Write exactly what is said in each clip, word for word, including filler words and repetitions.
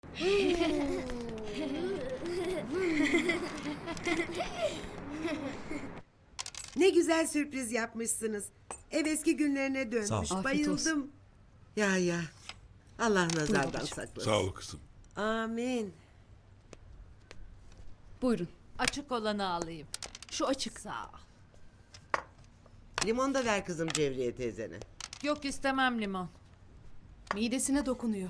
Ne güzel sürpriz yapmışsınız. Ev eski günlerine Sağ dönmüş. ol. Afiyet Bayıldım. Ya ya. Allah nazardan babacığım. saklasın. Sağ ol kızım. Amin. Buyurun. Açık olanı alayım. Şu açık. Sağ ol. Limon da ver kızım Cevriye teyzene. Yok istemem limon. Midesine dokunuyor.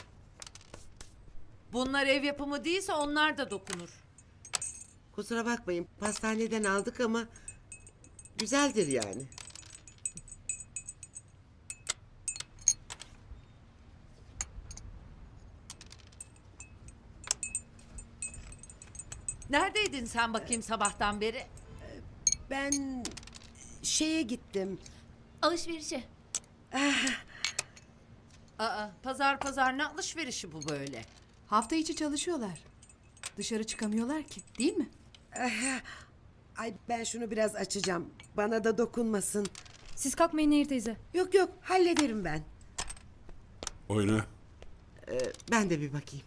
Bunlar ev yapımı değilse onlar da dokunur. Kusura bakmayın pastaneden aldık ama güzeldir yani. Neredeydin sen bakayım sabahtan beri? Ben şeye gittim. Alışverişe. Aa, pazar pazar ne alışverişi bu böyle? Hafta içi çalışıyorlar. Dışarı çıkamıyorlar ki, değil mi? Ay ben şunu biraz açacağım. Bana da dokunmasın. Siz kalkmayın Nehir teyze. Yok yok hallederim ben. Oyna. Ee, ben de bir bakayım.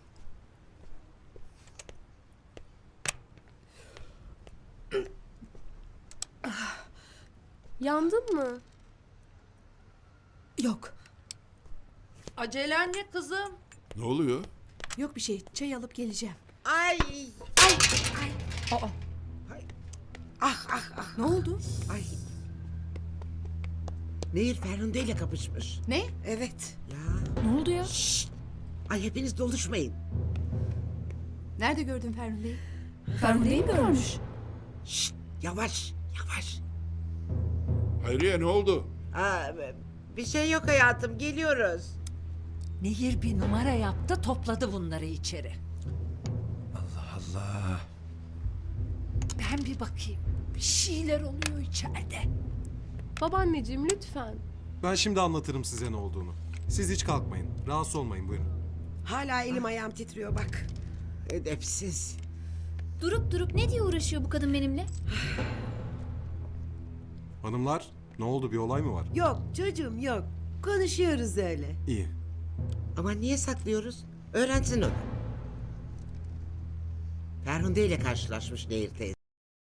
Yandın mı? Yok. Acelen ne kızım? Ne oluyor? Yok bir şey. Çay alıp geleceğim. Ay Aa, ah ah ah ne oldu? ay. Nehir Ferhunde ile kapışmış. Ne? Evet. Ya. Ne oldu ya? Şşt. Ay hepiniz doluşmayın. Nerede gördün Ferhunde'yi? Ferhunde'yi mi görmüş? Şşt. Yavaş yavaş. Hayriye ne oldu? Aa, bir şey yok hayatım geliyoruz. Nehir bir numara yaptı topladı bunları içeri. Allah Allah. Ben bir bakayım. Bir şeyler oluyor içeride. Babaanneciğim lütfen. Ben şimdi anlatırım size ne olduğunu. Siz hiç kalkmayın. Rahatsız olmayın buyurun. Hala elim ayağım titriyor bak. Edepsiz. Durup durup ne diye uğraşıyor bu kadın benimle? Hanımlar ne oldu, bir olay mı var? Yok çocuğum yok. Konuşuyoruz öyle. İyi. Ama niye saklıyoruz? Öğrensin onu. Ferhunde ile karşılaşmış Nehir teyze.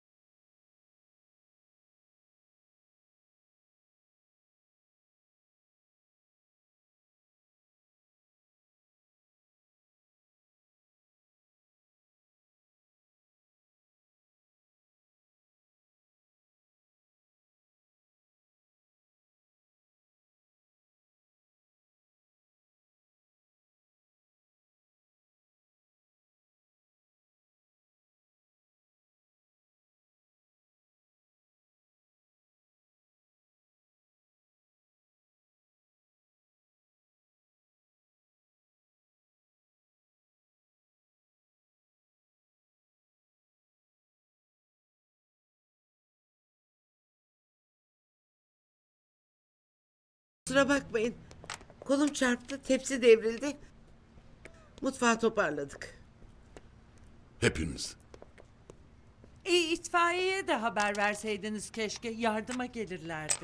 Kusura bakmayın. Kolum çarptı, tepsi devrildi. Mutfağı toparladık. Hepiniz. İyi itfaiyeye de haber verseydiniz keşke. Yardıma gelirlerdi.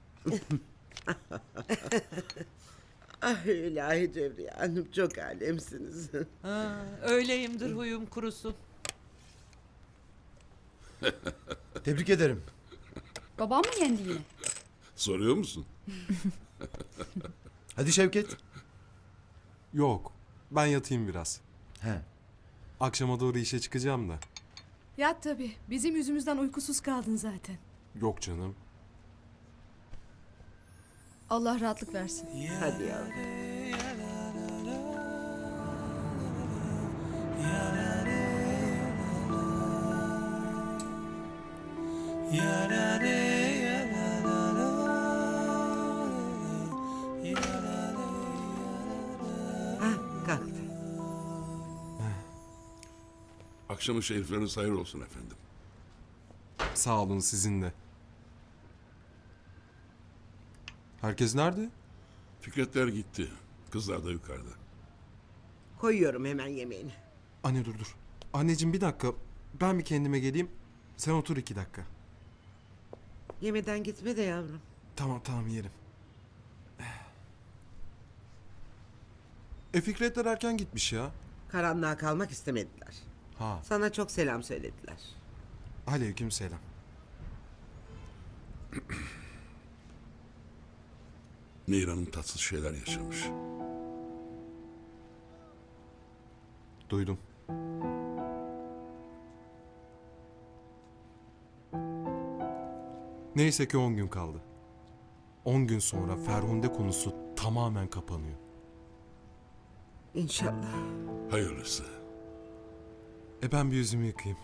Ah ilahi Cevriye Hanım çok alemsiniz. Ha, öyleyimdir huyum kurusun. Tebrik ederim. Babam mı yendi yine? Soruyor musun? Hadi Şevket. Yok. Ben yatayım biraz. He. Akşama doğru işe çıkacağım da. Yat tabii. Bizim yüzümüzden uykusuz kaldın zaten. Yok canım. Allah rahatlık versin. Hadi yavrum. Ha, kalktı. Akşamın şerifleriniz hayır olsun efendim. Sağ olun, sizin de. Herkes nerede? Fikretler gitti. Kızlar da yukarıda. Koyuyorum hemen yemeğini. Anne dur dur. Anneciğim bir dakika. Ben bir kendime geleyim. Sen otur iki dakika. Yemeden gitme de yavrum. Tamam tamam yerim. E Fikretler erken gitmiş ya. Karanlığa kalmak istemediler. Ha, Sana çok selam söylediler. aleyküm selam. Nehir Hanım tatsız şeyler yaşamış. Duydum. Neyse ki on gün kaldı. On gün sonra Ferhunde konusu tamamen kapanıyor. İnşallah. Hayırlısı. E ben bir yüzümü yıkayayım.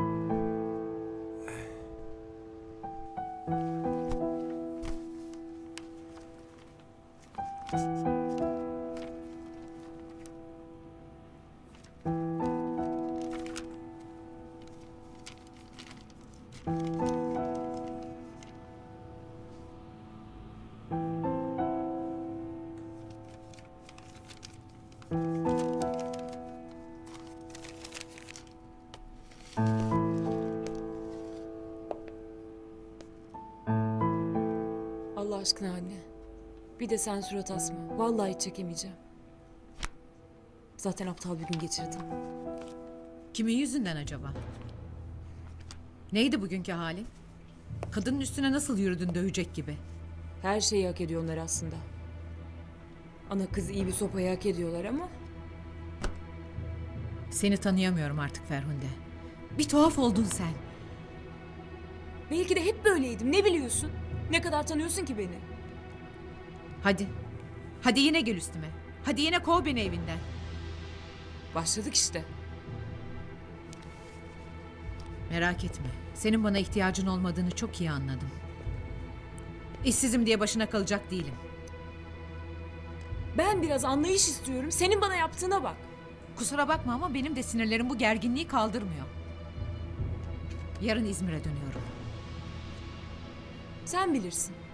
Allah aşkına anne. Bir de sen surat asma. Vallahi hiç çekemeyeceğim. Zaten aptal bir gün geçirdim. Kimin yüzünden acaba? Neydi bugünkü halin? Kadının üstüne nasıl yürüdün dövecek gibi? Her şeyi hak ediyorlar aslında. Ana kız iyi bir sopayı hak ediyorlar ama... Seni tanıyamıyorum artık Ferhunde. Bir tuhaf oldun sen. Belki de hep böyleydim. Ne biliyorsun? Ne kadar tanıyorsun ki beni? Hadi. Hadi yine gel üstüme. Hadi yine kov beni evinden. Başladık işte. Merak etme. Senin bana ihtiyacın olmadığını çok iyi anladım. İşsizim diye başına kalacak değilim. Ben biraz anlayış istiyorum. Senin bana yaptığına bak. Kusura bakma ama benim de sinirlerim bu gerginliği kaldırmıyor. Yarın İzmir'e dönüyorum. Sen bilirsin.